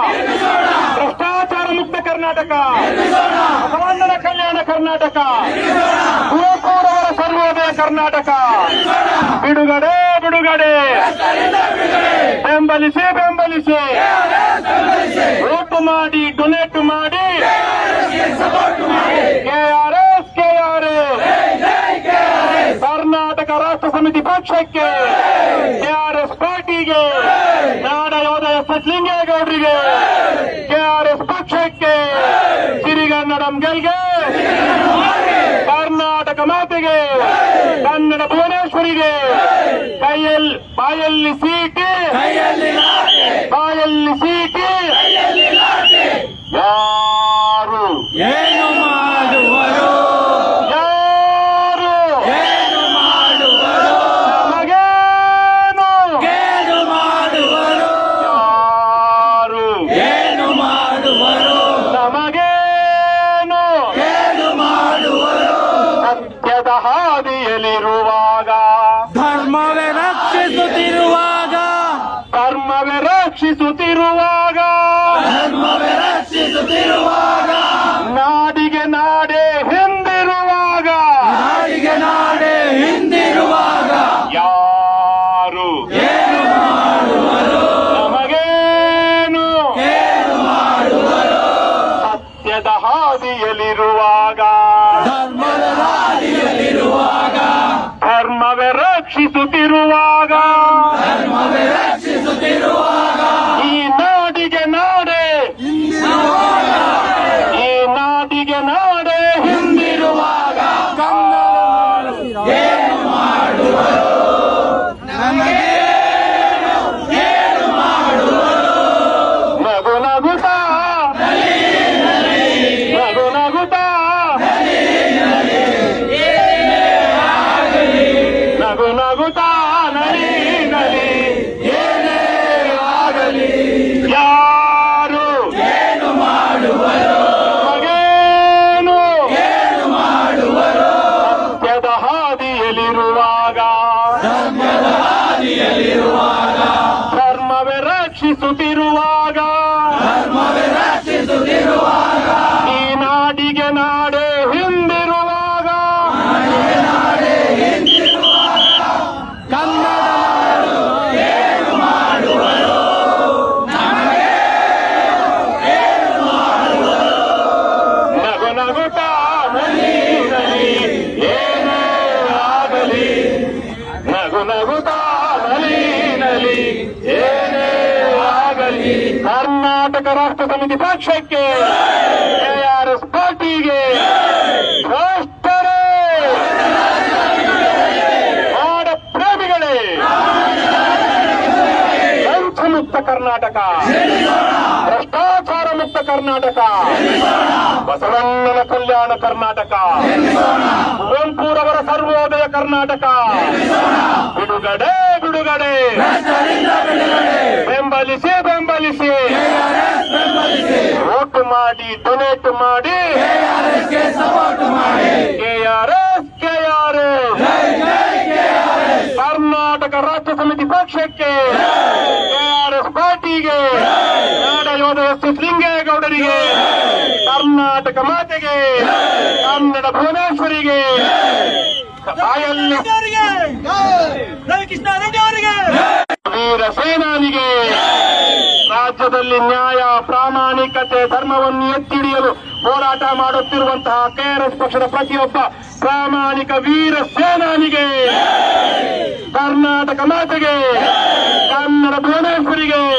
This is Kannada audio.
ಭ್ರಷ್ಟಾಚಾರ ಮುಕ್ತ ಕರ್ನಾಟಕ, ಬಸವಣ್ಣನ ಕಲ್ಯಾಣ ಕರ್ನಾಟಕ, ಕುವೆಂಪುರವರ ಸರ್ವೋದಯ ಕರ್ನಾಟಕ. ಬಿಡುಗಡೆ ಬಿಡುಗಡೆ, ಬೆಂಬಲಿಸಿ ಬೆಂಬಲಿಸಿ, ವೋಟ್ ಮಾಡಿ, ಡೊನೇಟ್ ಮಾಡಿ, ಕೆಆರ್ಎಸ್ ಕೆಆರ್ಎಸ್, ಕರ್ನಾಟಕ ರಾಷ್ಟ್ರ ಸಮಿತಿ ಪಕ್ಷಕ್ಕೆ, ಕೆಆರ್ಎಸ್ ಪಾರ್ಟಿಗೆ, ನಾಡ ಯೋಧ ಎಸ್ ಎಸ್ ಲಿಂಗೇಗೌಡರಿಗೆ, ಕೆಆರ್ಎಸ್ ಪಕ್ಷಕ್ಕೆ, ಸಿರಿಗನ್ನಡಂ ಗೆಲ್ಗೆ, ಕರ್ನಾಟಕ ಮಾತೆಗೆ, ಕನ್ನಡ ಭುವನೇಶ್ವರಿಗೆ, ಬಾಯಲ್ಲಿ ಸೀಟಿ, ಬಾಯಲ್ಲಿ ಸೀಟಿ, ಯಾರು ಏನು ಮಾಡುವರು, ಯಾರು ಏನು ಮಾಡುವರು, ನಮಗೇನು, ಏನು ಮಾಡುವರು, ಯಾರು ಏನು ಮಾಡುವರು, ನಮಗೇನು, ಏನು ಮಾಡುವರು. ಸತ್ಯದ ಹಾದಿಯಲ್ಲಿರುವಾಗ, ಧರ್ಮವೇ ರಕ್ಷಿಸುತ್ತಿರುವಾಗ, ಧರ್ಮವೇ ರಕ್ಷಿಸುತ್ತಿರುವಾಗ, ಧರ್ಮವೇ ರಕ್ಷಿಸುತ್ತಿರುವಾಗ, ನಾಡಿಗೆ ನಾಡೇ ಹಿಂದಿರುವಾಗ, ನಾಡಿಗೆ ನಾಡೇ ಹಿಂದಿರುವಾಗ, ಯಾರು ಏನು ಮಾಡುವರು, ನಮಗೇನು, ಏನು ಮಾಡುವರು. ಸತ್ಯದ ಹಾದಿಯಲ್ಲಿರುವಾಗ, ಧರ್ಮದ ಹಾದಿಯಲ್ಲಿರುವಾಗ, ಧರ್ಮವೇ ರಕ್ಷಿಸುತ್ತಿರುವಾಗ, ಧರ್ಮವೇ ರಕ್ಷಿಸುತ್ತಿರುವಾಗ, ಈ ನಾಡಿಗೆ ನಾಡೇ, ಈ ನಾಡಿಗೆ ನಾಡೇ ಹಿಂದಿರುವಾಗ, ಏನು ಮಾಡುವರು, ನಮಗೇನು, ಏನು ಮಾಡುವರು. ನಗು ನಗುತ್ತಾ, ನಗು ನಗುತ್ತಾ, ನಗು ನಗುತ್ತಾ, ನಲಿ ನಲಿ, ಏನೇ ಆಗಲಿ, ಯಾರು ಏನು ಮಾಡುವರು, ನಮಗೇನು, ಏನು ಮಾಡುವರು. ಸತ್ಯದ ಹಾದಿಯಲ್ಲಿರುವಾಗ, ಧರ್ಮದ ಹಾದಿಯಲ್ಲಿರುವಾಗ, ಧರ್ಮವೇ ರಕ್ಷಿಸುತ್ತಿರುವಾಗ, ಧರ್ಮವೇ ರಕ್ಷಿಸುತ್ತಿರುವಾಗ, ಈ ನಾಡಿಗೆ ನಾಡೇ ಹಿಂದಿರುವಾಗ, ನಾಡೇ ಹಿಂದಿರುವಾಗ, ಕನ್ನಡ ನಾಡು ಏನು ಮಾಡುವರು, ಏನು ಮಾಡುವರು. ನಗು ನಗುತ್ತಾ, ನಲಿ ನಲಿ, ಏನೇ ಆಗಲಿ, ನಗು ನಗುತ್ತಾ, ನಲಿ ನಲಿ, ಏನೇ ಆಗಲಿ, ಕರ್ನಾಟಕ ರಾಷ್ಟ್ರ ಸಮಿತಿ ಪಕ್ಷಕ್ಕೆ, ಕೆಆರ್ಎಸ್ ಪಾರ್ಟಿಗೆ, ಭ್ರಷ್ಟರೇ, ನಾಡ ಪ್ರೇಮಿಗಳೇ, ಲಂಚ ಮುಕ್ತ ಕರ್ನಾಟಕ, ಭ್ರಷ್ಟಾಚಾರ ಮುಕ್ತ ಕರ್ನಾಟಕ, ಬಸವಣ್ಣನ ಕಲ್ಯಾಣ ಕರ್ನಾಟಕ, ಕುವೆಂಪುರವರ ಸರ್ವೋದಯ ಕರ್ನಾಟಕ. ಬಿಡುಗಡೆ ಬಿಡುಗಡೆ, ಭ್ರಷ್ಟರಿಂದ ಬಿಡುಗಡೆ, ಬೆಂಬಲಿಸಿ ಬೆಂಬಲಿಸಿ, KRS ಬೆಂಬಲಿಸಿ, ವೋಟ್ ಮಾಡಿ, ಡೊನೇಟ್ ಮಾಡಿ, KRSಗೆ ಸಪೋರ್ಟ್ ಮಾಡಿ. ಕೆಆರ್ಎಸ್ ಕೆಆರ್ಎಸ್, ಜೈ ಜೈ KRS, ಕರ್ನಾಟಕ ರಾಷ್ಟ್ರ ಸಮಿತಿ ಪಕ್ಷಕ್ಕೆ, ಕೆಆರ್ಎಸ್ ಪಾರ್ಟಿಗೆ, ನಾಡ ಯೋಧ ಎಸ್ ಎಸ್ ಲಿಂಗೇಗೌಡರಿಗೆ, ಕರ್ನಾಟಕ ಮಾತೆಗೆ, ಕನ್ನಡ ಭುವನೇಶ್ವರಿಗೆ, ಬಾಯಲ್ಲಿ ರವಿಕೃಷ್ಣ ರೆಡ್ಡಿ ಅವರಿಗೆ, ವೀರ ಸೇನಾನಿಗೆ, ರಾಜ್ಯದಲ್ಲಿ ನ್ಯಾಯ, ಪ್ರಾಮಾಣಿಕತೆ, ಧರ್ಮವನ್ನು ಎತ್ತಿಡಿಯಲು ಹೋರಾಟ ಮಾಡುತ್ತಿರುವಂತಹ ಕೆಆರ್ಎಸ್ ಪಕ್ಷದ ಪ್ರತಿಯೊಬ್ಬ ಪ್ರಾಮಾಣಿಕ ವೀರ ಸೇನಾನಿಗೆ, ಕರ್ನಾಟಕ ಮಾತೆಗೆ, ಕನ್ನಡ ಭುವನೇಶ್ವರಿಗೆ,